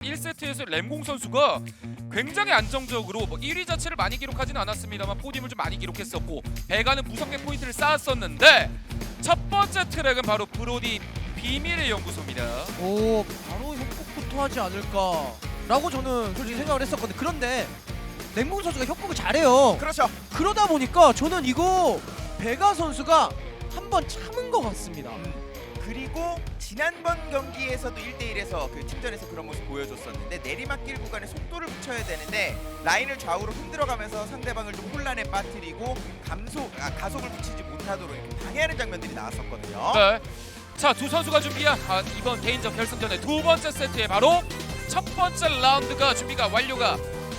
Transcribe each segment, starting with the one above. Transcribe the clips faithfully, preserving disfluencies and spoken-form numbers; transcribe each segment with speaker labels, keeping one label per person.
Speaker 1: 일 세트에서 램공 선수가 굉장히 안정적으로 뭐 일 위 자체를 많이 기록하지는 않았습니다만 포디움을 좀 많이 기록했었고 배가는 무섭게 포인트를 쌓았었는데 첫 번째 트랙은 바로 브로디 비밀의 연구소입니다.
Speaker 2: 오, 바로 협곡부터 하지 않을까라고 저는 솔직히 생각을 했었거든요. 그런데 램공 선수가 협곡을 잘해요.
Speaker 3: 그렇죠.
Speaker 2: 그러다 보니까 저는 이거 베가 선수가 한번 참은 것 같습니다.
Speaker 3: 음, 그리고 지난번 경기에서도 일 대 일에서 그 팀전에서 그런 모습 보여줬었는데 내리막길 구간에 속도를 붙여야 되는데 라인을 좌우로 흔들어가면서 상대방을 좀 혼란에 빠뜨리고 감속, 아, 가속을 붙이지 못하도록 이렇게 방해하는 장면들이 나왔었거든요.
Speaker 1: 네. 자, 두 선수가 준비한 아, 이번 개인전 결승전의 두 번째 세트에 바로 첫 번째 라운드가 준비가 완료가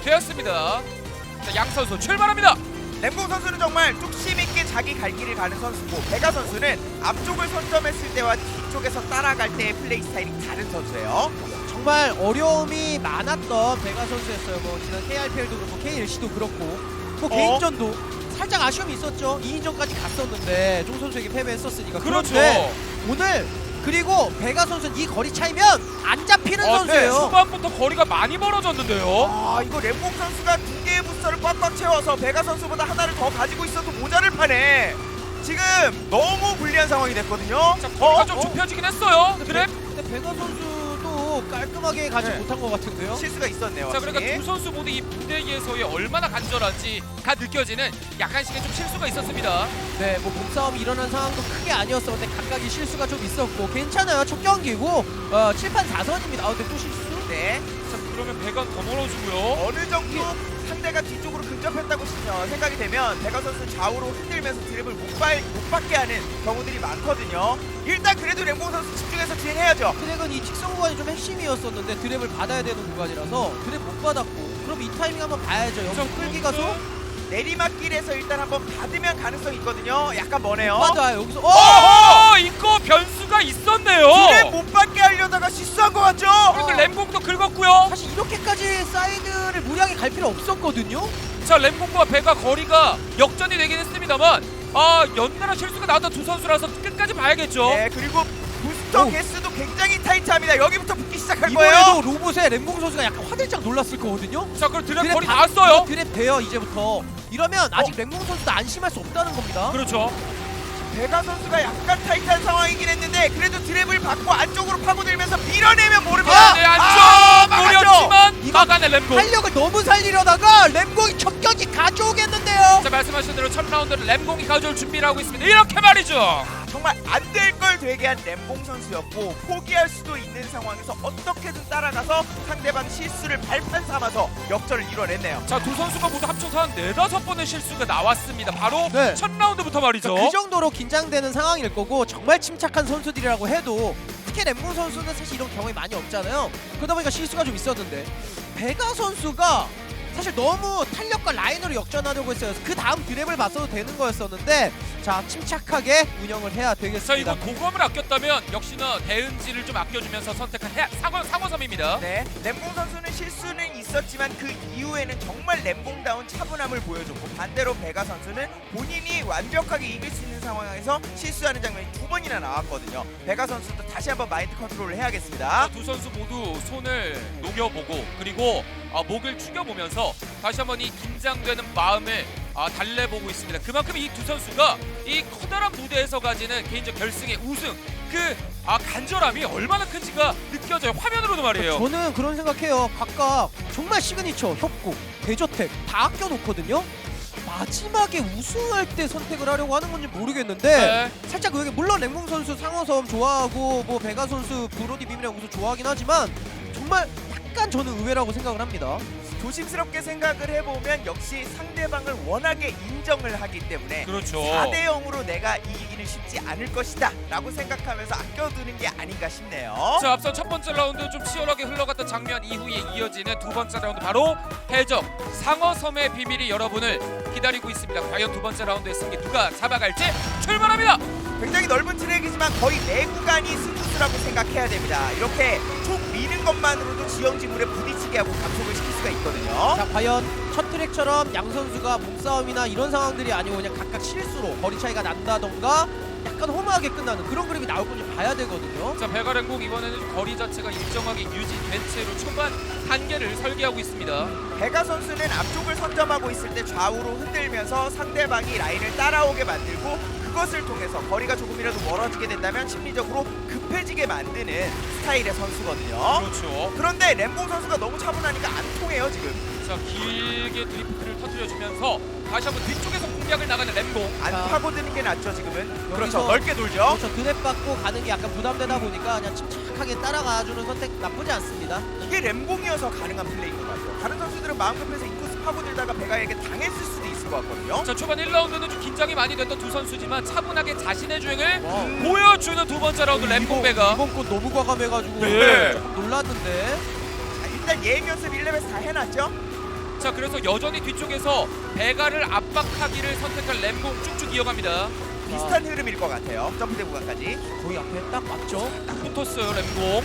Speaker 1: 되었습니다. 자, 양 선수 출발합니다.
Speaker 3: 램공 선수는 정말 뚝심 있게 자기 갈 길을 가는 선수고 베가 선수는 앞쪽을 선점했을 때와 뒤쪽에서 따라갈 때의 플레이 스타일이 다른 선수예요.
Speaker 2: 정말 어려움이 많았던 베가 선수였어요. 뭐 지난 케이알피엘도 그렇고 케이엘씨도 그렇고 뭐
Speaker 3: 어?
Speaker 2: 개인전도 살짝 아쉬움이 있었죠. 이 인전까지 갔었는데 종 선수에게 패배했었으니까.
Speaker 1: 그렇죠.
Speaker 2: 그런데 오늘 그리고 베가 선수는 이 거리 차이면 안 잡히는
Speaker 1: 어,
Speaker 2: 선수예요.
Speaker 1: 네, 초반부터 거리가 많이 벌어졌는데요.
Speaker 3: 아 이거 램공 선수가 두 개의 부스터를 꽉꽉 채워서 베가 선수보다 하나를 더 가지고 있어도 모자를 파네. 지금 너무 불리한 상황이 됐거든요.
Speaker 1: 자, 거리가
Speaker 3: 어?
Speaker 1: 좀
Speaker 3: 어?
Speaker 1: 좁혀지긴 했어요.
Speaker 2: 근데,
Speaker 1: 그래?
Speaker 2: 베, 근데 베가 선수도 깔끔하게 가지
Speaker 3: 네.
Speaker 2: 못한 것 같은데요.
Speaker 3: 실수가 있었네요.
Speaker 1: 자, 그러니까
Speaker 3: 확실히.
Speaker 1: 두 선수 모두 이 무대에서의 얼마나 간절한지가 느껴지는 약간씩의 좀 실수가 있었습니다.
Speaker 2: 네, 뭐 몸싸움이 일어난 상황도 크게 아니었어. 근데 각각의 실수가 좀 있었고 괜찮아요. 첫 경기고 어, 칠 판 사 선입니다. 아, 근데 또 실수?
Speaker 3: 네.
Speaker 1: 자, 그러면 배가 더 멀어지고요.
Speaker 3: 어느 정도 상대가 뒤쪽으로 근접했다고 시- 생각이 되면 베가 선수 좌우로 흔들면서 드랩을 못, 발, 못 받게 하는 경우들이 많거든요. 일단 그래도 램공 선수 집중해서 진행해야죠.
Speaker 2: 드랙은 이 직선 구간이 좀 핵심이었었는데 드랩을 받아야 되는 구간이라서 드랩 못 받았고 그럼 이 타이밍 한번 봐야죠. 여기서
Speaker 1: 자,
Speaker 2: 끌기 가서
Speaker 3: 내리막길에서 일단 한번 받으면 가능성이 있거든요. 약간 머네요.
Speaker 2: 받아요. 여기서 어!
Speaker 1: 어, 이거 변수가 있었네요.
Speaker 3: 드랩 못 받게 하려다가 실수한 것 같죠?
Speaker 1: 그리고 램공도 긁었고요.
Speaker 2: 사실 이렇게까지 사이드를 무리하게 갈 필요 없었거든요.
Speaker 1: 자, 램공과 배가 거리가 역전이 되긴 했습니다만 아, 연달아 실수가 나왔던 두 선수라서 끝까지 봐야겠죠.
Speaker 3: 네, 그리고 부스터
Speaker 2: 오.
Speaker 3: 개수도 굉장히 타이트합니다. 여기부터 붙기 시작할
Speaker 2: 이번에도
Speaker 3: 거예요.
Speaker 2: 로봇에 램공 선수가 약간 화들짝 놀랐을 거거든요.
Speaker 1: 자, 그럼 드랩
Speaker 2: 드랩
Speaker 1: 거리
Speaker 2: 다-
Speaker 1: 나왔어요.
Speaker 2: 드랩 돼요 이제부터. 이러면 아직 램공 선수도 안심할 수 없다는 겁니다.
Speaker 1: 그렇죠.
Speaker 3: 베가 선수가 약간 타이트한 상황이긴 했는데 그래도 드랩을 받고 안쪽으로 파고들면서 밀어내면 모릅니다.
Speaker 1: 네, 안쪽
Speaker 3: 아, 막았죠?
Speaker 1: 노렸지만
Speaker 2: 이거
Speaker 1: 막아내 램공.
Speaker 2: 활력을 너무 살리려다가 램공이 첫 경기 가져오겠는데요.
Speaker 1: 자, 말씀하신 대로 첫 라운드를 램공이 가져올 준비를 하고 있습니다. 이렇게 말이죠.
Speaker 3: 정말 안 될 걸 되게 한 램봉 선수였고 포기할 수도 있는 상황에서 어떻게든 따라가서 상대방 실수를 발판 삼아서 역전을 이뤄냈네요.
Speaker 1: 자, 두 선수가 모두 합쳐서 한 네다섯 번의 실수가 나왔습니다. 바로
Speaker 2: 네.
Speaker 1: 첫 라운드부터 말이죠.
Speaker 2: 그 정도로 긴장되는 상황일 거고 정말 침착한 선수들이라고 해도 특히 램공 선수는 사실 이런 경험이 많이 없잖아요. 그러다 보니까 실수가 좀 있었는데 베가 선수가 사실 너무 탄력과 라인으로 역전하려고 했어요. 그 다음 드랩을 봤어도 되는 거였었는데 자 침착하게 운영을 해야
Speaker 1: 자,
Speaker 2: 되겠습니다.
Speaker 1: 이거 도검을 아꼈다면 역시나 대은지를 좀 아껴주면서 선택한 해, 상어, 상어섬입니다.
Speaker 3: 네, 램봉 선수는 실수는 있었지만 그 이후에는 정말 램봉다운 차분함을 보여줬고 반대로 베가 선수는 본인이 완벽하게 이길 수 있는 상황에서 실수하는 장면이 두 번이나 나왔거든요. 베가 선수도 다시 한번 마인드 컨트롤을 해야겠습니다.
Speaker 1: 자, 두 선수 모두 손을 녹여보고 그리고 아, 목을 축여보면서 다시 한번 이 긴장되는 마음을 아, 달래보고 있습니다. 그만큼 이 두 선수가 이 커다란 무대에서 가지는 개인적 결승의 우승 그 아, 간절함이 얼마나 큰지가 느껴져요. 화면으로도 말이에요.
Speaker 2: 저는 그런 생각해요. 각각 정말 시그니처, 협곡, 대저택 다 아껴놓거든요. 마지막에 우승할 때 선택을 하려고 하는 건지 모르겠는데
Speaker 1: 네.
Speaker 2: 살짝 여기 물론 램공 선수 상어섬 좋아하고 뭐 베가 선수 브로디 비밀의 연구소 좋아하긴 하지만 정말 약간 저는 의외라고 생각을 합니다.
Speaker 3: 조심스럽게 생각을 해보면 역시 상대방을 워낙에 인정을 하기 때문에
Speaker 1: 그렇죠.
Speaker 3: 사 대 영으로 내가 이기기는 쉽지 않을 것이다 라고 생각하면서 아껴두는 게 아닌가 싶네요.
Speaker 1: 자, 앞선 첫 번째 라운드 좀 치열하게 흘러갔던 장면 이후에 이어지는 두 번째 라운드 바로 해적 상어섬의 비밀이 여러분을 기다리고 있습니다. 과연 두 번째 라운드의 승리 누가 잡아갈지 출발합니다.
Speaker 3: 굉장히 넓은 트랙이지만 거의 네 구간이 스무스라고 생각해야 됩니다. 이렇게 쭉 미는 것만으로도 지형지물에 부딪히게 하고 감속을 시킬 수가 있거든요.
Speaker 2: 자 과연 첫 트랙처럼 양 선수가 몸싸움이나 이런 상황들이 아니고 그냥 각각 실수로 거리 차이가 난다던가 약간 허무하게 끝나는 그런 그림이 나올 건지 봐야 되거든요.
Speaker 1: 자, 베가 램공 이번에는 거리 자체가 일정하게 유지된 채로 초반 단계를 설계하고 있습니다.
Speaker 3: 베가 선수는 앞쪽을 선점하고 있을 때 좌우로 흔들면서 상대방이 라인을 따라오게 만들고 그것을 통해서 거리가 조금이라도 멀어지게 된다면 심리적으로 급해지게 만드는 스타일의 선수거든요.
Speaker 1: 그렇죠.
Speaker 3: 그런데 램공 선수가 너무 차분하니까 안 통해요 지금.
Speaker 1: 자, 길게 드리프트를 터뜨려주면서 다시 한번 뒤쪽에서 공략을 나가는 램공.
Speaker 3: 안
Speaker 2: 자.
Speaker 3: 파고드는 게 낫죠 지금은.
Speaker 2: 여기서-
Speaker 3: 그렇죠. 넓게 돌죠.
Speaker 2: 그렇죠. 드랩 받고 가는 게 약간 부담되다 보니까 그냥 침착하게 따라가주는 선택 나쁘지 않습니다.
Speaker 3: 이게 램공이어서 가능한 플레이인 것 같아요. 다른 선수들은 마음 급해서 인코스 파고들다가 베가에게 당했을 수도 있을 것 같거든요.
Speaker 1: 자, 초반 일 라운드는 좀 긴장이 많이 됐던 두 선수지만 차분하게 자신의 주행을
Speaker 2: 와.
Speaker 1: 보여주는 두 번째 라운드 램공 베가.
Speaker 2: 이번 건 너무 과감해가지고
Speaker 1: 네.
Speaker 2: 조금 놀랐는데.
Speaker 3: 자, 일단 예행 연습 일 레벨에서 다 해놨죠.
Speaker 1: 자, 그래서 여전히 뒤쪽에서 베가를 압박하기를 선택한 램공 쭉쭉 이어갑니다.
Speaker 3: 비슷한 흐름일 것 같아요. 점프대 구간까지.
Speaker 2: 거의 앞에 딱 맞죠?
Speaker 1: 딱 붙었어요 램공.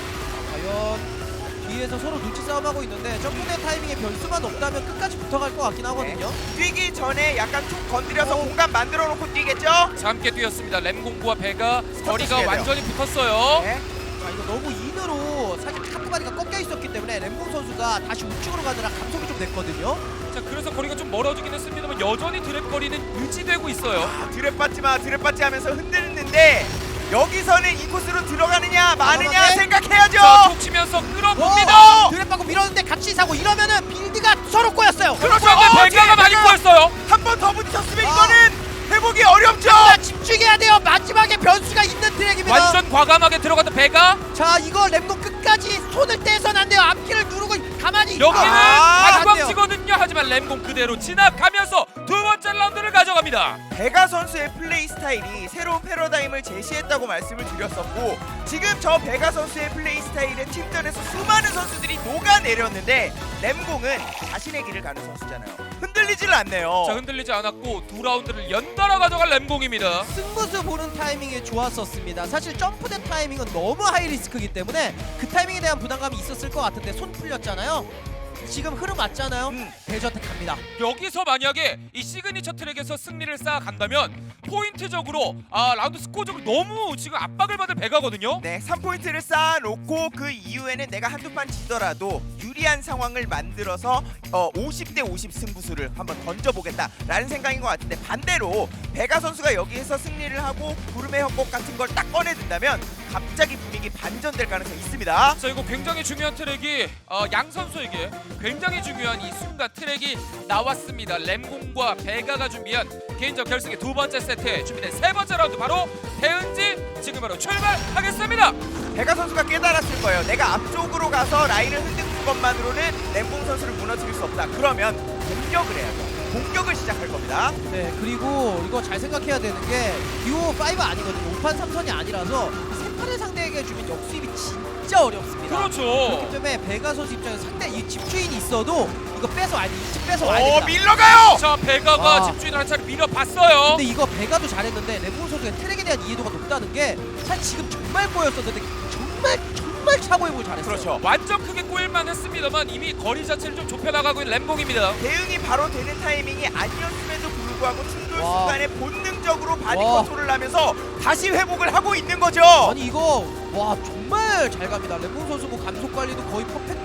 Speaker 2: 과연 뒤에서 서로 눈치 싸움하고 있는데 점프대 타이밍에 변수만 없다면 끝까지 붙어갈 것 같긴 하거든요.
Speaker 3: 뛰기 전에 약간 툭 건드려서
Speaker 2: 어.
Speaker 3: 공간 만들어 놓고 뛰겠죠?
Speaker 1: 자, 함께 뛰었습니다. 램공과 베가 거리가
Speaker 3: 돼요.
Speaker 1: 완전히 붙었어요.
Speaker 3: 네.
Speaker 2: 자, 이거 너무 인으로 사실 카트바디가 꺾여 있었기 때문에 램공 선수가 다시 우측으로 가느라 감속이 좀 됐거든요.
Speaker 1: 자, 그래서 거리가 좀 멀어지긴 했습니다만 여전히 드랩 거리는 유지되고 있어요.
Speaker 3: 아, 드랩 받지 마, 드랩 받지 하면서 흔들는데 여기서는 이 코스로 들어가느냐 마느냐
Speaker 2: 과감하게.
Speaker 3: 생각해야죠.
Speaker 1: 자, 툭 치면서 끌어봅니다.
Speaker 3: 어!
Speaker 2: 드랩 받고 밀었는데 같이 사고 이러면은 빌드가 서로 꼬였어요.
Speaker 3: 그렇죠.
Speaker 1: 그런데
Speaker 3: 어,
Speaker 1: 베가가 많이
Speaker 3: 베가가
Speaker 1: 꼬였어요.
Speaker 3: 한 번 더 부딪혔으면
Speaker 2: 아.
Speaker 3: 이거는 회복이 어렵죠.
Speaker 2: 자, 집중해야 돼요. 마지막에 변수가 있는 트랙입니다.
Speaker 1: 완전 과감하게 들어갔던 베가.
Speaker 2: 자, 이거 램공 끝까지 손을 떼선 안 돼요. 앞길을 누르고 가만히 있고.
Speaker 1: 여기는
Speaker 2: 아, 안 돼요.
Speaker 1: 관광지거든요. 하지만 램공 그대로 지나가면서 두 번째 라운드를 가져갑니다.
Speaker 3: 베가 선수의 플레이 스타일이 새로운 패러다임을 제시했다고 말씀을 드렸었고 지금 저 베가 선수의 플레이 스타일은 팀전에서 수많은 선수들이 녹아내렸는데 램공은 자신의 길을 가는 선수잖아요. 흔들리질 않네요.
Speaker 1: 자, 흔들리지 않았고 두 라운드를 연달아 가져갈 램공입니다.
Speaker 2: 승부수 보는 타이밍이 좋았었습니다. 사실 점프된 타이밍은 너무 하이 리스크이기 때문에 그 타이밍에 대한 부담감이 있었을 것 같은데 손 풀렸잖아요. 지금 흐름 맞잖아요.
Speaker 3: 음.
Speaker 2: 대저택합니다.
Speaker 1: 여기서 만약에 이 시그니처 트랙에서 승리를 쌓아간다면 포인트적으로 아 라운드 스코어적으로 너무 지금 압박을 받을 베가거든요.
Speaker 3: 네, 삼 포인트를 쌓아놓고 그 이후에는 내가 한두 판 지더라도 유리한 상황을 만들어서 어, 오십 대 오십 승부수를 한번 던져보겠다라는 생각인 것 같은데 반대로 베가 선수가 여기에서 승리를 하고 구름의 협곡 같은 걸 딱 꺼내든다면 갑자기 분위기 반전될 가능성이 있습니다.
Speaker 1: 자, 이거 굉장히 중요한 트랙이 어, 양 선수에게 굉장히 중요한 이 순간 트랙이 나왔습니다. 램공과 베가가 준비한 개인적 결승의 두 번째 세트에 준비된 세 번째 라운드 바로 대은지 지금 바로 출발하겠습니다.
Speaker 3: 베가 선수가 깨달았을 거예요. 내가 앞쪽으로 가서 라인을 흔드는 것만으로는 램공 선수를 무너뜨릴 수 없다. 그러면 공격을 해야죠. 공격을 시작할 겁니다.
Speaker 2: 네, 그리고 이거 잘 생각해야 되는 게 듀오 오 아니거든요. 오 판 삼 선이 아니라서 세 판의 상대에게 주면 역수입이 진짜 어렵습니다. 그렇기
Speaker 1: 그렇죠.
Speaker 2: 때문에 베가 선수 입장에서 상대 이 집주인이 있어도 이거 뺏어 와야 돼. 이집 뺏어 와야
Speaker 3: 오,
Speaker 2: 됩니다.
Speaker 3: 밀러가요!
Speaker 1: 자, 베가가
Speaker 2: 와.
Speaker 1: 집주인을 한 차례 밀어봤어요.
Speaker 2: 근데 이거 베가도 잘했는데 램공 선수의 트랙에 대한 이해도가 높다는 게 사실 지금 정말 꼬였었는데 정말 정말 차고해보고 잘했어요.
Speaker 3: 그렇죠.
Speaker 1: 완전 크게 꼬일만 했습니다만 이미 거리 자체를 좀 좁혀나가고 있는 램공입니다.
Speaker 3: 대응이 바로 되는 타이밍이 아니었음에도 불구하고 충돌
Speaker 2: 와.
Speaker 3: 순간에 본능적으로 바디
Speaker 2: 와.
Speaker 3: 컨트롤을 하면서 다시 회복을 하고 있는 거죠.
Speaker 2: 아니 이거 와 정말 잘 갑니다. 램공 선수 뭐 감속 관리도 거의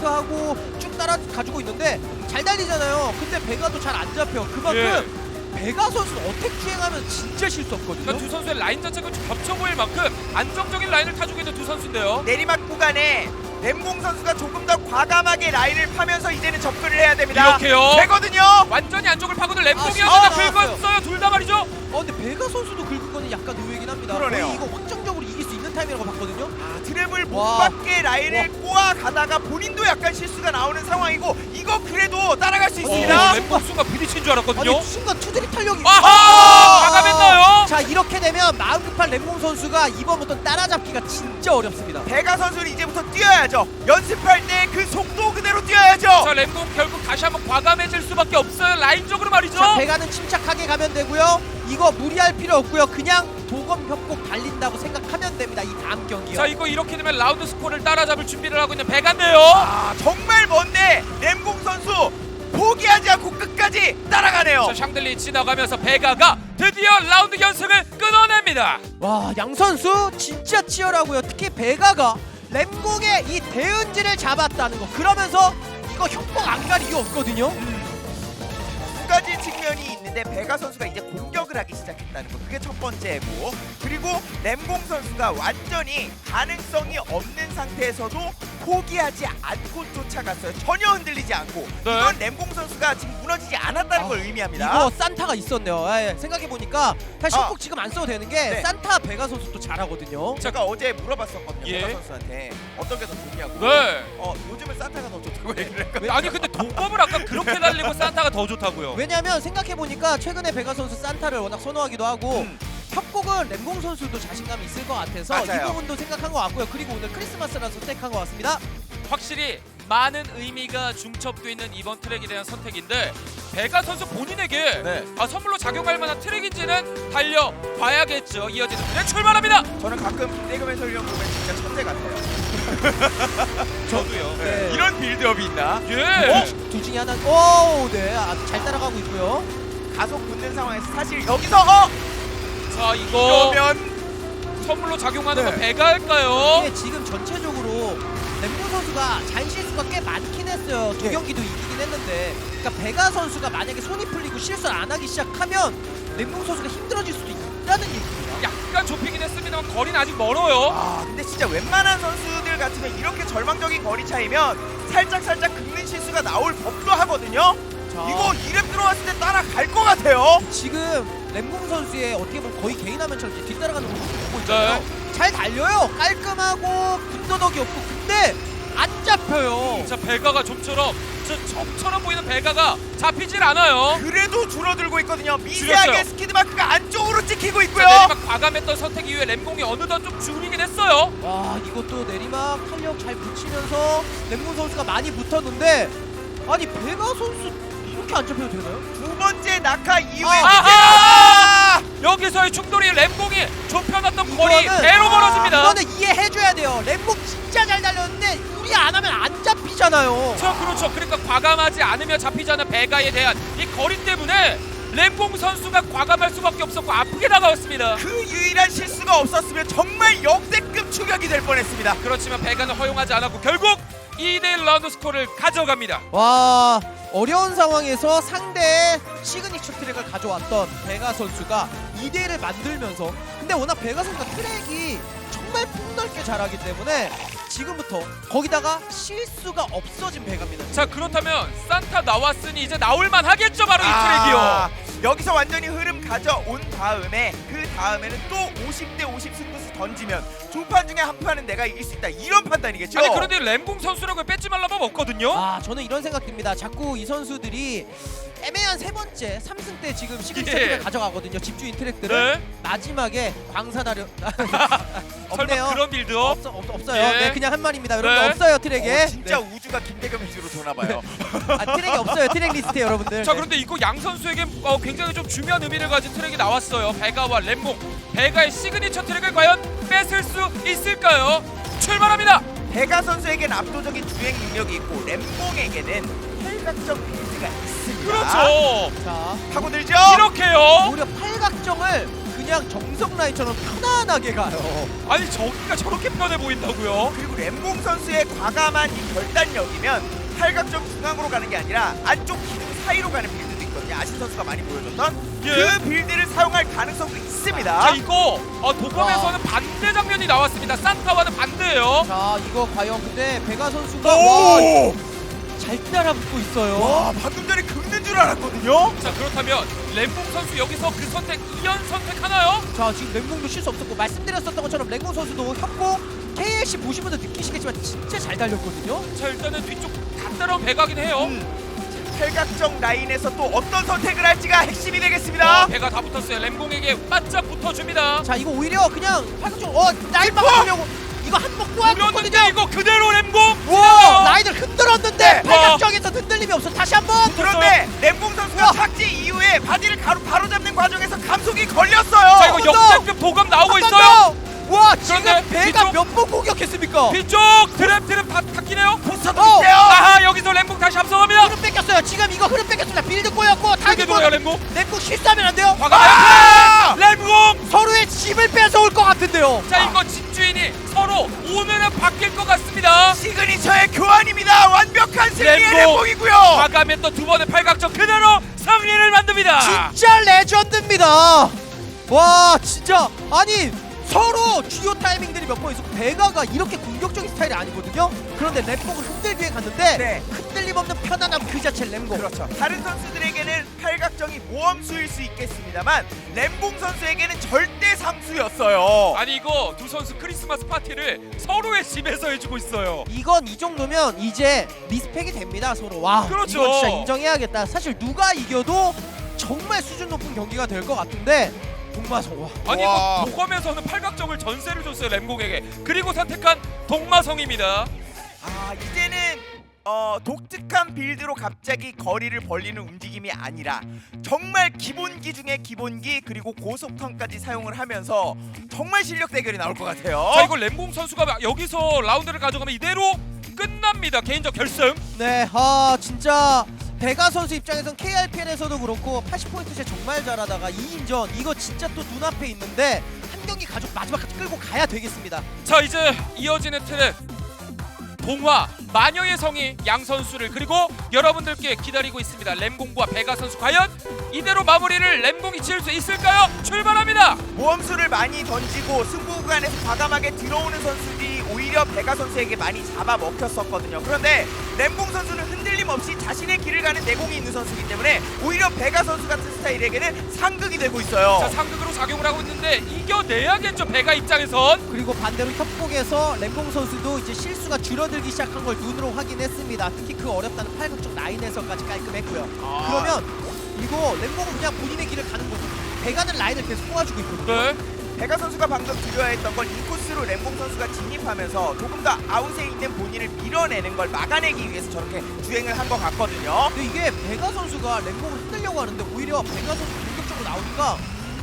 Speaker 2: 퍼펙트하고 쭉 따라 가지고 있는데 잘 달리잖아요. 근데 베가도 잘 안 잡혀. 그만큼 베가 선수는 어택 주행하면 진짜 실수 없거든요.
Speaker 1: 그러니까 두 선수의 라인 자체가 좀 겹쳐 보일 만큼 안정적인 라인을 타주고 있는 두 선수인데요.
Speaker 3: 내리막 구간에 램공 선수가 조금 더 과감하게 라인을 파면서 이제는 접근을 해야 됩니다.
Speaker 1: 이렇게요.
Speaker 3: 되거든요.
Speaker 1: 완전히 안쪽을 파고든
Speaker 2: 아,
Speaker 1: 램공이었는데
Speaker 2: 나왔어요.
Speaker 1: 긁었어요. 둘 다 말이죠.
Speaker 2: 어 근데 베가 선수도 긁은 거는 약간 의외긴 합니다.
Speaker 3: 그러네요.
Speaker 2: 거의 이거 확정적으로 이길 수 있는 타이밍이라고 봤거든요.
Speaker 3: 아, 트랩을 못
Speaker 2: 와.
Speaker 3: 받게 라인을 꼬아 가다가 본인도 약간 실수가 나오는 상황이고 이거 그래도 따라갈 수
Speaker 1: 어,
Speaker 3: 있습니다.
Speaker 1: 램공 순간 부딪힌 줄 알았거든요.
Speaker 2: 아니 순간 투드립 탄력이
Speaker 1: 아하!
Speaker 2: 아!
Speaker 1: 과감했나요?
Speaker 2: 자 이렇게 되면 마음 급한 램공 선수가 이번부터 따라잡기가 진짜 어렵습니다.
Speaker 3: 베가 선수는 이제부터 뛰어야죠. 연습할 때 그 속도 그대로 뛰어야죠.
Speaker 1: 자, 램공 결국 다시 한번 과감해질 수밖에 없어요. 라인적으로 말이죠.
Speaker 2: 자 베가는 침착하게 가면 되고요. 이거 무리할 필요 없고요. 그냥 도검 협곡 달린다고 생각하면 됩니다. 이 다음 경기요.
Speaker 1: 자, 이거 이렇게 되면 라운드 스코어를 따라잡을 준비를 하고 있는 베가인데요.
Speaker 3: 아, 정말 먼데 램공 선수 포기하지 않고 끝까지 따라가네요.
Speaker 1: 자, 샹들리 지나가면서 베가가 드디어 라운드 연승을 끊어냅니다.
Speaker 2: 와, 양 선수 진짜 치열하고요. 특히 베가가 램공의 이 대은지를 잡았다는 거. 그러면서 이거 협곡 안 갈 이유 없거든요.
Speaker 3: 두 가지 측면이 있는데 베가 선수가 이제 공격을 하기 시작했다는 거, 그게 첫 번째고, 그리고 램공 선수가 완전히 가능성이 없는 상태에서도 포기하지 않고 쫓아갔어요. 전혀 흔들리지 않고.
Speaker 1: 네.
Speaker 3: 이건 램공 선수가 지금 무너지지 않았다는
Speaker 2: 아,
Speaker 3: 걸 의미합니다.
Speaker 2: 이거 산타가 있었네요. 예, 생각해보니까 사실
Speaker 3: 아.
Speaker 2: 협곡 지금 안 써도 되는 게
Speaker 3: 네.
Speaker 2: 산타 베가 선수 또 잘하거든요.
Speaker 3: 제가 어제 물어봤었거든요.
Speaker 1: 예.
Speaker 3: 베가 선수한테 어떤 게 더 좋냐고.
Speaker 1: 네.
Speaker 3: 어, 요즘은 산타가 더 좋다고 얘기를 했거든요.
Speaker 1: 아니 근데 동법을 아까 그렇게 날리고 산타가 더 좋다고요.
Speaker 2: 왜냐면 생각해보니까 최근에 베가 선수 산타를 워낙 선호하기도 하고
Speaker 3: 음.
Speaker 2: 협곡은 램공 선수도 자신감이 있을 것 같아서
Speaker 3: 맞아요.
Speaker 2: 이 부분도 생각한 것 같고요. 그리고 오늘 크리스마스라서 선택한 것 같습니다.
Speaker 1: 확실히 많은 의미가 중첩돼 있는 이번 트랙에 대한 선택인데 베가 선수 본인에게
Speaker 3: 네.
Speaker 1: 아, 선물로 작용할 만한 트랙인지는 달려봐야겠죠. 이어지는 트랙 출발합니다.
Speaker 3: 저는 가끔 대금 해설위원 보면 진짜 천재 같아요.
Speaker 1: 저도요.
Speaker 2: 네.
Speaker 3: 이런 빌드업이 있나?
Speaker 1: 예.
Speaker 2: 어? 둘 중에 하나. 오, 네, 아주 잘 따라가고 있고요.
Speaker 3: 가속 붙는 상황에서 사실 여기서 어!
Speaker 1: 자 이거
Speaker 3: 이러면
Speaker 1: 선물로 작용하는
Speaker 3: 네.
Speaker 1: 건 배가 할까요?
Speaker 2: 이게 지금 전체적으로 램공 선수가 잔 실수가 꽤 많긴 했어요. 두
Speaker 3: 네.
Speaker 2: 경기도 이기긴 했는데, 그러니까 베가 선수가 만약에 손이 풀리고 실수를 안 하기 시작하면 램공 선수가 힘들어질 수도 있다는 얘기입니다.
Speaker 1: 약간 좁히긴 했습니다만 거리는 아직 멀어요.
Speaker 3: 아 근데 진짜 웬만한 선수들 같으면 이렇게 절망적인 거리 차이면 살짝 살짝 긁는 실수가 나올 법도 하거든요.
Speaker 2: 자,
Speaker 3: 이거 이름 들어왔을 때 따라갈 것 같아요.
Speaker 2: 지금 램공 선수의 어떻게 보면 거의 개인화면처럼 이렇게 뒤따라가는 모습을 보고 있잖아요.
Speaker 1: 네.
Speaker 2: 잘 달려요. 깔끔하고 군더더기 없고, 근데 안 잡혀요.
Speaker 1: 자 배가가 좀처럼 저 점처럼 보이는 배가가 잡히질 않아요.
Speaker 3: 그래도 줄어들고 있거든요. 미세하게
Speaker 1: 줄였어요.
Speaker 3: 스키드 마크가 안쪽으로 찍히고 있고요.
Speaker 1: 자, 내리막 과감했던 선택 이후에 램공이 어느덧 좀 줄이긴 했어요.
Speaker 2: 와, 이것도 내리막 탄력 잘 붙이면서 램공 선수가 많이 붙었는데, 아니 베가 선수 이렇게 안 잡혀도 되나요?
Speaker 3: 두 번째 낙하 이후에
Speaker 1: 아하!
Speaker 3: 이제
Speaker 1: 여기서의 충돌이 램공이 좁혀놨던 거리
Speaker 2: 이거는-
Speaker 1: 배로
Speaker 2: 아,
Speaker 1: 벌어집니다.
Speaker 2: 이거는 이해해줘야 돼요. 램공 진짜 잘 달렸는데 우리 안 하면 안 잡히잖아요.
Speaker 1: 자 그렇죠. 그러니까 과감하지 않으면 잡히지 않은 배가에 대한 이 거리 때문에 램공 선수가 과감할 수밖에 없었고 아프게 다가왔습니다.
Speaker 3: 그 유일한 실수가 없었으면 정말 역대급 추격이 될 뻔했습니다.
Speaker 1: 그렇지만 배가는 허용하지 않았고 결국 이 대 일 라운드 스코어를 가져갑니다.
Speaker 2: 와, 어려운 상황에서 상대의 시그니처 트랙을 가져왔던 베가 선수가 이 대 일을 만들면서, 근데 워낙 베가 선수가 트랙이 정말 폭넓게 잘하기 때문에 지금부터 거기다가 실수가 없어진 베가입니다.
Speaker 1: 자 그렇다면 산타 나왔으니 이제 나올만 하겠죠. 바로 이
Speaker 3: 아,
Speaker 1: 트랙이요.
Speaker 3: 여기서 완전히 흐름 가져온 다음에 그 다음에는 또 오십 대 오십 승부수 던지면 두 판 중에 한 판은 내가 이길 수 있다, 이런 판단이겠죠.
Speaker 1: 아니 그런데 램공 선수라고 뺏지 말라면 없거든요.
Speaker 2: 아, 저는 이런 생각 듭니다. 자꾸 이 선수들이 애매한 세 번째 삼 승 때 지금 시그니처
Speaker 1: 예.
Speaker 2: 트랙을 가져가거든요. 집주인 트랙들을.
Speaker 1: 네.
Speaker 2: 마지막에 광산하려
Speaker 1: 설마
Speaker 2: 없네요.
Speaker 1: 그런 빌드업?
Speaker 2: 없어, 없, 없어요.
Speaker 1: 예.
Speaker 2: 네, 그냥 한 말입니다. 여러분,
Speaker 1: 네.
Speaker 2: 없어요 트랙에.
Speaker 3: 어, 진짜
Speaker 2: 네.
Speaker 3: 우주가 김대겸 위주로 도나봐요.
Speaker 2: 아, 트랙이 없어요. 트랙 리스트에 여러분들.
Speaker 1: 자
Speaker 2: 네.
Speaker 1: 그런데 이거 양 선수에게 어, 굉장히 좀 중요한 의미를 가진 트랙이 나왔어요. 베가와 램공. 베가의 시그니처 트랙을 과연 뺏을 수 있을까요? 출발합니다.
Speaker 3: 베가 선수에겐 압도적인 주행 능력이 있고 램봉에게는 팔각정 빌드가 있습니다.
Speaker 1: 그렇죠.
Speaker 2: 자,
Speaker 3: 파고들죠.
Speaker 1: 이렇게요.
Speaker 2: 오히려 팔각정을 그냥 정석 라인처럼 편안하게 가요.
Speaker 1: 아니 저기가 저렇게 편해 보인다고요?
Speaker 3: 그리고 램봉 선수의 과감한 이 결단력이면 팔각정 중앙으로 가는 게 아니라 안쪽 기둥 사이로 가는 빌드도 있거든요. 아신 선수가 많이 보여줬던
Speaker 1: 예.
Speaker 3: 그 빌드를 사용할 가능성도 있습니다.
Speaker 1: 자 이거 어, 도검에서는 반대 장면이 나왔습니다. 산타와는 반대예요.
Speaker 2: 자, 이거 과연 근데 베가 선수가 와,
Speaker 3: 오!
Speaker 2: 잘 따라붙고 있어요.
Speaker 3: 와, 방금 전에 긁는 줄 알았거든요.
Speaker 1: 자 그렇다면 램봉 선수 여기서 그 선택 이연 선택하나요?
Speaker 2: 자, 지금 랭공도 실수 없었고, 말씀드렸었던 것처럼 랭공 선수도 협곡 케이엘씨 보신 분들 느끼시겠지만 진짜 잘 달렸거든요.
Speaker 1: 자 일단은 뒤쪽 다 따라온 배가긴 해요.
Speaker 3: 음, 팔각정 라인에서 또 어떤 선택을 할지가 핵심이 되겠습니다.
Speaker 1: 어, 배가 다 붙었어요. 램공에게 바짝 붙어줍니다.
Speaker 2: 자, 이거 오히려 그냥 팔각정 어 라인 막으려고 이거 한몫 또
Speaker 1: 그렸는데
Speaker 2: 했거든요.
Speaker 1: 이거 그대로 램공.
Speaker 2: 와, 라인을 흔들었는데
Speaker 3: 네.
Speaker 2: 팔각정에서 흔들림이 없어. 다시 한번.
Speaker 3: 그런데 램봉 선수가
Speaker 2: 야.
Speaker 3: 착지 이후에 바디를 가로 바로 잡는 과정에서 감속이 걸렸어요.
Speaker 1: 자 이거
Speaker 2: 한 번
Speaker 1: 역대급 도감 나오고
Speaker 2: 한번
Speaker 1: 있어요.
Speaker 2: 더! 와, 지금
Speaker 1: 그런데
Speaker 2: 배가
Speaker 1: 뒤쪽-
Speaker 2: 몇 번 공격했습니까?
Speaker 1: 뒤쪽 드랩 드랩 다 탔기네요.
Speaker 3: 포스터도
Speaker 2: 어.
Speaker 3: 있대요.
Speaker 1: 아하 여기서 램공 다시 앞서갑니다.
Speaker 2: 흐름 뺏겼어요. 지금 이거 흐름 뺏겼습니다. 빌드 꼬였고
Speaker 1: 크게
Speaker 2: 타겟
Speaker 1: 돌아요 램공.
Speaker 2: 램공 실수하면 안 돼요.
Speaker 1: 과감해.
Speaker 2: 아!
Speaker 3: 램봉이고요.
Speaker 1: 과감히 또 두 번의 팔각정 그대로 승리를 만듭니다.
Speaker 2: 진짜 레전드입니다. 와 진짜 아니 서로 주요 타이밍들이 몇 번 있었고 베가가 이렇게 공격적인 스타일이 아니거든요. 그런데 램봉을 흔들기에 갔는데
Speaker 3: 네.
Speaker 2: 흔들림 없는 편안함 그 자체 램봉.
Speaker 3: 그렇죠. 다른 선수들에게는 팔각정이 모험수일 수 있겠습니다만 램봉 선수에게는 절대 상수였어요.
Speaker 1: 아니 이거 두 선수 크리스마스 파티를 서로의 집에서 해주고 있어요.
Speaker 2: 이건 이 정도면 이제 리스펙이 됩니다 서로. 와
Speaker 1: 그렇죠.
Speaker 2: 이거 진짜 인정해야겠다. 사실 누가 이겨도 정말 수준 높은 경기가 될 것 같은데 동마성 와.
Speaker 1: 아니
Speaker 3: 와.
Speaker 1: 이거 도검에서는 팔각정을 전세를 줬어요 램공에게. 그리고 선택한 동마성입니다.
Speaker 3: 아 이제는 어, 독특한 빌드로 갑자기 거리를 벌리는 움직임이 아니라 정말 기본기 중에 기본기 그리고 고속턴까지 사용을 하면서 정말 실력 대결이 나올 것 같아요.
Speaker 1: 자 이거 램공 선수가 여기서 라운드를 가져가면 이대로 끝납니다. 개인적 결승.
Speaker 2: 네, 아 진짜 베가 선수 입장에선 케이알피엘에서도 그렇고 팔십 포인트 제 정말 잘하다가 이인전 이거 진짜 또 눈앞에 있는데 한 경기 가족 마지막까지 끌고 가야 되겠습니다.
Speaker 1: 자 이제 이어지는 트랙 동화 마녀의 성이 양 선수를 그리고 여러분들께 기다리고 있습니다. 램공과 베가 선수 과연 이대로 마무리를 램공이 지을 수 있을까요? 출발합니다.
Speaker 3: 모험수를 많이 던지고 승부 구간에서 과감하게 들어오는 선수들이 오히려 베가 선수에게 많이 잡아먹혔었거든요. 그런데 램공 선수는 흔들림 없이 자신의 길을 가는 내공이 있는 선수이기 때문에 오히려 베가 선수 같은 스타일에게는 상극이 되고 있어요.
Speaker 1: 자 상극으로 작용을 하고 있는데 이겨내야겠죠 베가 입장에선.
Speaker 2: 그리고 반대로 협곡에서 램봉 선수도 이제 실수가 줄어들기 시작한 걸 눈으로 확인했습니다. 특히 그 어렵다는 팔극적 라인에서까지 깔끔했고요.
Speaker 1: 아.
Speaker 2: 그러면 이거 램봉은 그냥 본인의 길을 가는 거죠. 베가는 라인을 계속 뽑아주고 있거든요.
Speaker 1: 네.
Speaker 3: 베가 선수가 방금 드려야 했던 건 인코스로 램봉 선수가 진입하면서 조금 더 아웃에 있는 본인을 밀어내는 걸 막아내기 위해서 저렇게 주행을 한 것 같거든요.
Speaker 2: 근데 이게 베가 선수가 램봉을 흔들려고 하는데 오히려 베가 선수 공격적으로 나오니까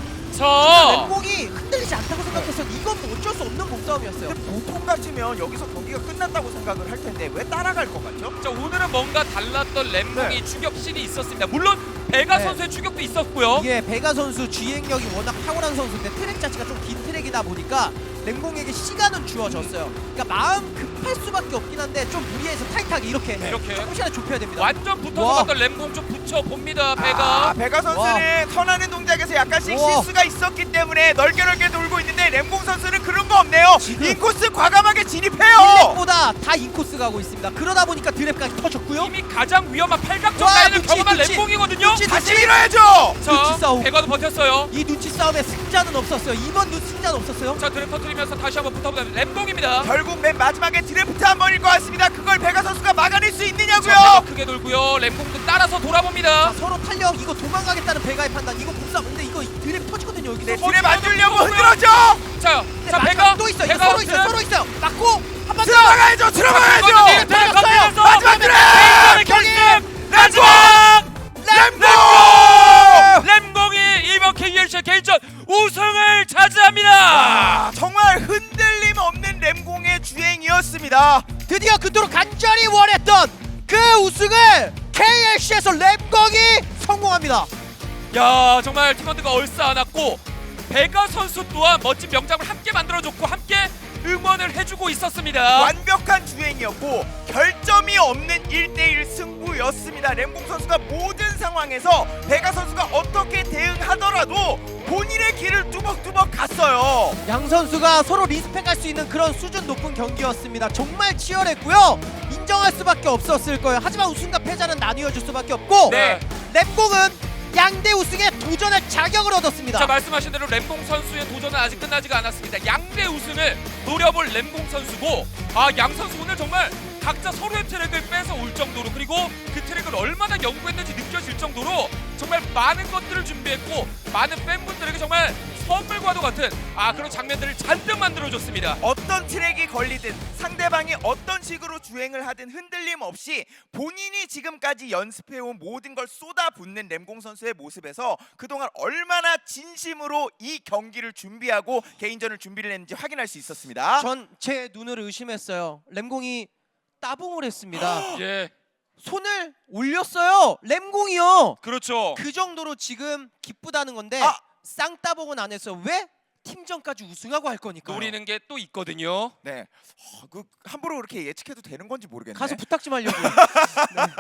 Speaker 1: 자
Speaker 2: 램봉이 흔들리지 않다고 생각해서 이건 뭐 어쩔 수 없는 몸싸움이었어요.
Speaker 3: 근데 보통 같으면 여기서 경기가 끝났다고 생각을 할 텐데 왜 따라갈 것 같죠?
Speaker 1: 자 오늘은 뭔가 달랐던 램봉이 추격신이 있었습니다. 물론 베가
Speaker 2: 네.
Speaker 1: 선수의 추격도 있었고요.
Speaker 2: 이게 베가 선수 주행력이 워낙 탁월한 선수인데 트랙 자체가 좀 긴 트랙이다 보니까 램봉에게 시간은 주어졌어요. 그러니까 마음 급할 수밖에 없긴 한데 좀 무리해서 타이트하게 이렇게
Speaker 1: 이렇게.
Speaker 2: 조금 시간을 좁혀야 됩니다.
Speaker 1: 완전 붙어서
Speaker 2: 와.
Speaker 1: 갔던 램공 좀 붙여봅니다
Speaker 3: 아,
Speaker 1: 베가.
Speaker 3: 베가 선수는 턴하는 동작에서 약간씩
Speaker 2: 와.
Speaker 3: 실수가 있었기 때문에 넓게 넓게 돌고 있는데 램봉 선수는 그런 거 없네요.
Speaker 2: 지금
Speaker 3: 인코스 과감하게 진입해요.
Speaker 2: 드랩보다 다 인코스 가고 있습니다. 그러다 보니까 드랩까지 터졌고요.
Speaker 1: 이미 가장 위험한 팔각정
Speaker 2: 와,
Speaker 1: 라인을
Speaker 2: 눈치,
Speaker 1: 경험한
Speaker 2: 눈치.
Speaker 1: 램공이거든요.
Speaker 2: 눈치,
Speaker 3: 다시
Speaker 2: 눈치.
Speaker 3: 밀어야죠.
Speaker 1: 자
Speaker 2: 눈치 싸움.
Speaker 1: 베가도 버텼어요.
Speaker 2: 이 눈치 싸움에 승자는 없었어요. 이번 눈 승자는 없었어요.
Speaker 1: 자 드랩 터트리면서 다시 한번 붙어보다 램공입니다.
Speaker 3: 결국 맨 마지막에 드래프트 한 번일 것 같습니다. 그걸 베가 선수가 막아낼 수
Speaker 1: 자,
Speaker 3: 있느냐고요.
Speaker 1: 베가 크게 돌고요. 램공도 따라서 돌아봅니다.
Speaker 2: 자, 서로 탄력 이거 도망가겠다는 베가의 판단. 이거 몸싸움. 근데 이거 드랩 터지거든요. 여기서.
Speaker 3: 네,
Speaker 1: 어,
Speaker 3: 드랩 안 주려고
Speaker 1: 뭐고요?
Speaker 3: 흔들어줘.
Speaker 1: 자,
Speaker 2: 근데
Speaker 1: 자
Speaker 2: 마지막
Speaker 1: 베가
Speaker 2: 또 있어. 이거
Speaker 1: 베가
Speaker 2: 서로 있어요. 서로 있어요. 맞고 한 번 더.
Speaker 3: 들어가야죠. 들어가야죠.
Speaker 1: 드랩
Speaker 2: 들어갔어요.
Speaker 1: 터트리면서
Speaker 3: 마지막 드랩.
Speaker 1: 결승
Speaker 3: 램봉.
Speaker 1: 마지막
Speaker 3: 램봉.
Speaker 1: 램공이 이번 케이엘씨 개인전 우승을 차지합니다.
Speaker 3: 아, 정말 흔들림 없는 램공의 주행이었습니다.
Speaker 2: 드디어 그토록 간절히 원했던 그 우승을 케이엘씨에서 램공이 성공합니다.
Speaker 1: 야 정말 팀원들과 얼싸안았고 베가 선수 또한 멋진 명장을 함께 만들어줬고 함께 응원을 해주고 있었습니다.
Speaker 3: 완벽한 주행이었고 결점이 없는 일 대일 승부였습니다. 램봉 선수가 모든 상황에서 베가 선수가 어떻게 대응하더라도 본인의 길을 뚜벅뚜벅 갔어요.
Speaker 2: 양 선수가 서로 리스펙할 수 있는 그런 수준 높은 경기였습니다. 정말 치열했고요. 인정할 수밖에 없었을 거예요. 하지만 우승과 패자는 나뉘어줄 수밖에 없고
Speaker 1: 네.
Speaker 2: 램공은 양대 우승에 도전할 자격을 얻었습니다.
Speaker 1: 자 말씀하신 대로 램공 선수의 도전은 아직 끝나지가 않았습니다. 양대 우승을 노려볼 램공 선수고 아 양 선수 오늘 정말 각자 서로의 트랙을 뺏어 올 정도로 그리고 그 트랙을 얼마나 연구했는지 느껴질 정도로 정말 많은 것들을 준비했고 많은 팬분들에게 정말 선물과도 같은 아 그런 장면들을 잔뜩 만들어줬습니다.
Speaker 3: 어떤 트랙이 걸리든 상대방이 어떤 식으로 주행을 하든 흔들림 없이 본인이 지금까지 연습해온 모든 걸 쏟아붓는 램공 선수의 모습에서 그동안 얼마나 진심으로 이 경기를 준비하고 개인전을 준비를 했는지 확인할 수 있었습니다.
Speaker 2: 전 제 눈을 의심했어요. 램공이 따봉을 했습니다.
Speaker 1: 예,
Speaker 2: 손을 올렸어요. 램공이요.
Speaker 1: 그렇죠.
Speaker 2: 그 정도로 지금 기쁘다는 건데
Speaker 3: 아!
Speaker 2: 쌍따봉은 안 했어요. 왜? 팀전까지 우승하고 할 거니까.
Speaker 1: 노리는 게 또 있거든요.
Speaker 3: 네, 어, 그 함부로 그렇게 예측해도 되는 건지 모르겠네.
Speaker 2: 가서 부탁 좀 하려고.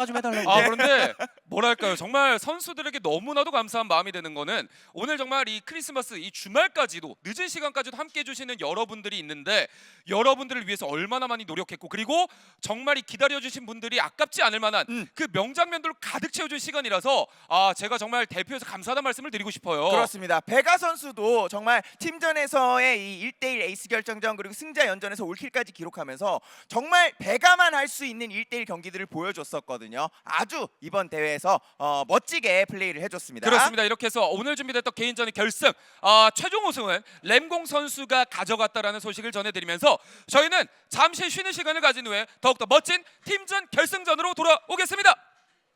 Speaker 2: 사과 좀 해달라고.
Speaker 1: 아 그런데 뭐랄까요, 정말 선수들에게 너무나도 감사한 마음이 드는 거는 오늘 정말 이 크리스마스 이 주말까지도 늦은 시간까지도 함께 해주시는 여러분들이 있는데 여러분들을 위해서 얼마나 많이 노력했고 그리고 정말 이 기다려주신 분들이 아깝지 않을 만한
Speaker 3: 음.
Speaker 1: 그 명장면들로 가득 채워준 시간이라서 아 제가 정말 대표해서 감사하다는 말씀을 드리고 싶어요.
Speaker 3: 그렇습니다. 베가 선수도 정말 팀전에서의 이 일 대 일 에이스 결정전 그리고 승자 연전에서 올킬까지 기록하면서 정말 베가만 할 수 있는 일 대 일 경기들을 보여줬었거든요. 아주 이번 대회에서 어, 멋지게 플레이를 해줬습니다.
Speaker 1: 그렇습니다. 이렇게 해서 오늘 준비됐던 개인전의 결승 아, 최종 우승은 램공 선수가 가져갔다라는 소식을 전해드리면서 저희는 잠시 쉬는 시간을 가진 후에 더욱더 멋진 팀전 결승전으로 돌아오겠습니다.